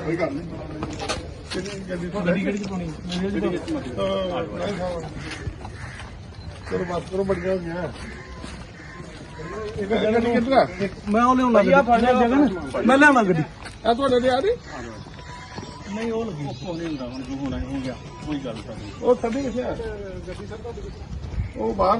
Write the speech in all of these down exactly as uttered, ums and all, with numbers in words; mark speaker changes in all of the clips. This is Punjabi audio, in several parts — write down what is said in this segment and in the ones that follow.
Speaker 1: ਕੋਈ ਗੱਲ ਨਹੀਂ ਕਿੰਨੀ ਗੱਡੀ ਗੱਡੀ ਕਿਹੜੀ ਪਾਉਣੀ ਚਲੋ ਬਸ ਕਰੋ ਬੜੀਆਂ ਹੋ ਗਿਆ ਇੱਕ ਜਗ੍ਹਾ ਨਹੀਂ ਕਿੱਧਰ
Speaker 2: ਮੈਂ ਉਹ ਲਿਆਉਣਾ ਜਗ੍ਹਾ ਮੈਂ ਲਿਆਉਣਾ ਗੱਡੀ
Speaker 1: ਆ ਤੁਹਾਡੇ ਦੇ ਆ ਰਹੀ
Speaker 2: ਨਹੀਂ ਉਹ ਲੱਗੀ ਉਹ ਨਹੀਂ ਹੁੰਦਾ ਹੁਣ ਜੋ ਹੋਣਾ ਹੋ ਗਿਆ ਕੋਈ ਗੱਲ ਨਹੀਂ
Speaker 1: ਉਹ ਥੱਲੇ ਕਿੱਥੇ ਆ ਉਹ ਬਾਹਰ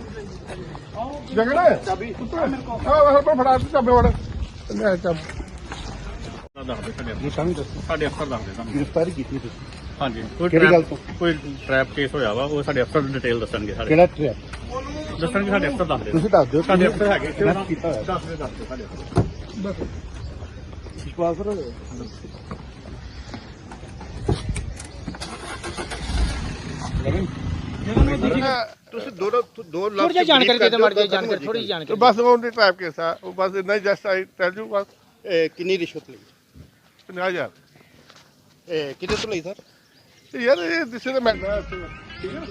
Speaker 1: ਜਗੜਾ ਚਾਬੀ ਆਹ ਪਰ ਫੜਾ ਚਾਬੇ ਵੜ ਲੈ ਚਾਬੀ
Speaker 2: ਦੱਸਦੇ ਸਾਡੇ ਸਾਡੇ ਅਫਸਰ ਦੱਸਦੇ ਤੁਹਾਨੂੰ
Speaker 1: ਗ੍ਰਿਫਤਾਰੀ ਕੀਤੀ ਤੁਸੀਂ
Speaker 2: ਹਾਂਜੀ ਕੋਈ
Speaker 1: ਕਿਹੜੀ ਗੱਲ ਤੋਂ
Speaker 2: ਕੋਈ ਟ੍ਰੈਪ ਕੇਸ ਹੋਇਆ ਵਾ ਉਹ ਸਾਡੇ ਅਫਸਰ ਡਿਟੇਲ ਦੱਸਣਗੇ ਸਾਡੇ
Speaker 1: ਕਿਹੜਾ ਟ੍ਰੈਪ
Speaker 2: ਦੱਸਣਗੇ ਸਾਡੇ ਅਫਸਰ ਦੱਸਦੇ
Speaker 1: ਤੁਸੀਂ ਦੱਸ ਦਿਓ
Speaker 2: ਸਾਡੇ ਅਫਸਰ ਹੈਗੇ
Speaker 1: ਕੀਤਾ ਹੋਇਆ
Speaker 2: ਦੱਸਦੇ ਦੱਸਦੇ ਸਾਡੇ ਅਫਸਰ
Speaker 1: ਬਸ ਵਿਸ਼ਵਾਸ ਕਰੋ ਤੁਸੀਂ ਦੋ ਦੋ ਲੱਖ
Speaker 3: ਥੋੜੀ ਜਾਣਕਾਰੀ ਦੇ ਦਿਓ ਮਾੜੀ ਜਿਹੀ ਜਾਣਕਾਰੀ ਥੋੜੀ ਜਿਹੀ ਜਾਣਕਾਰੀ
Speaker 1: ਬਸ ਉਹ ਦੀ ਟ੍ਰੈਪ ਕੇਸ ਆ ਉਹ ਬਸ ਇੰਨਾ ਜਸਟ ਆਈ ਟੈਲ ਯੂ ਬਸ
Speaker 4: ਕਿੰਨੀ ਰਿਸ਼ਵਤ ਲਈ
Speaker 1: ਪੰਜਾਹ ਹਜ਼ਾਰ
Speaker 4: ਇਹ ਕਿਹਦੇ ਤੋਂ ਲਈ ਸਰ
Speaker 1: ਯਾਰ ਇਹ ਦਿਸੇ ਦਾ ਮੈਟਰ ਠੀਕ ਹੈ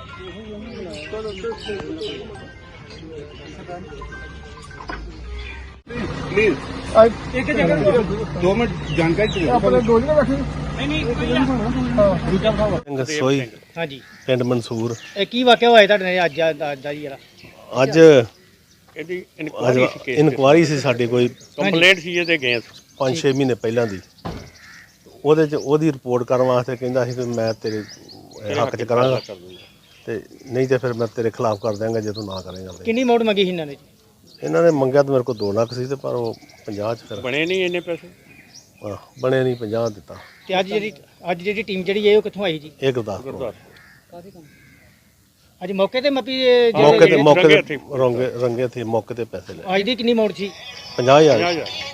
Speaker 1: ਪਲੀਜ਼
Speaker 3: ਇੱਕ ਜਗ੍ਹਾ
Speaker 4: ਦੋ ਮਿੰਟ ਜਾਣਕਾਰੀ
Speaker 1: ਆਪਣੇ ਦੋ ਜਣੇ ਬੈਠੇ
Speaker 3: ਨਹੀਂ ਨਹੀਂ ਦੂਜਾ ਭਰਾ
Speaker 5: ਸੋਈ
Speaker 3: ਹਾਂਜੀ
Speaker 5: ਪਿੰਡ ਮਨਸੂਰ
Speaker 3: ਇਹ ਕੀ ਵਾਕਿਆ ਹੋਇਆ ਤੁਹਾਡੇ ਨਾਲ ਅੱਜ ਅੱਜ ਦਾ ਜੀ ਜਿਹੜਾ
Speaker 5: ਅੱਜ
Speaker 2: ਇਹਦੀ
Speaker 5: ਅੱਜ ਇਨਕੁਆਰੀ ਸੀ ਸਾਡੇ ਕੋਈ
Speaker 2: ਕੰਪਲੇਂਟ ਸੀ ਇਹਦੇ ਅਗੇਂਸਟ
Speaker 5: ਪੰਜ ਛੇ ਮਹੀਨੇ ਪਹਿਲਾਂ ਦੀ ਉਹਦੇ ਚ ਉਹਦੀ ਰਿਪੋਰਟ ਕਰਨ ਵਾਸਤੇ ਕਹਿੰਦਾ ਸੀ ਕਿ ਮੈਂ ਤੇਰੇ ਹੱਕ ਚ ਕਰਾਂਗਾ ਤੇ ਨਹੀਂ ਤੇ ਫਿਰ ਮੈਂ ਤੇਰੇ ਖਿਲਾਫ ਕਰ ਦਿਆਂਗਾ ਜੇ ਤੂੰ ਨਾ ਕਰੇਂਗਾ ਤੇ।
Speaker 3: ਕਿੰਨੀ ਮੌਟ ਮੰਗੀ ਸੀ ਇਹਨਾਂ ਨੇ
Speaker 5: ਇਹਨਾਂ ਨੇ ਮੰਗਿਆ ਤਾਂ ਮੇਰੇ ਕੋਲ ਦੋ ਲੱਖ ਸੀ ਤੇ ਪਰ ਉਹ ਪੰਜਾਹ ਚ ਫਿਰ
Speaker 2: ਬਣੇ ਨਹੀਂ ਇੰਨੇ ਪੈਸੇ
Speaker 5: ਆਹ, ਬਣੇ ਨਹੀਂ ਪੰਜਾਹ ਦਿੱਤਾ
Speaker 3: ਤੇ ਅੱਜ ਜਿਹੜੀ ਅੱਜ ਜਿਹੜੀ ਟੀਮ ਜਿਹੜੀ ਹੈ ਉਹ ਕਿੱਥੋਂ ਆਈ ਜੀ
Speaker 5: ਇਹ ਗੁਰਦਾਸਪੁਰ
Speaker 2: ਗੁਰਦੁਆਰਾ
Speaker 3: ਅੱਜ ਮੌਕੇ ਤੇ ਮੱਪੀ
Speaker 5: ਮੌਕੇ ਤੇ ਮੌਕੇ
Speaker 2: ਰੰਗੇ
Speaker 5: ਤੇ ਰੰਗੇ ਰੰਗੇ ਤੇ ਮੌਕੇ ਤੇ ਪੈਸੇ ਲੈ
Speaker 3: ਅੱਜ ਦੀ ਕਿੰਨੀ ਮੌਟ ਸੀ
Speaker 5: ਪੰਜਾਹ ਹਜ਼ਾਰ
Speaker 2: ਪੰਜਾਹ ਹਜ਼ਾਰ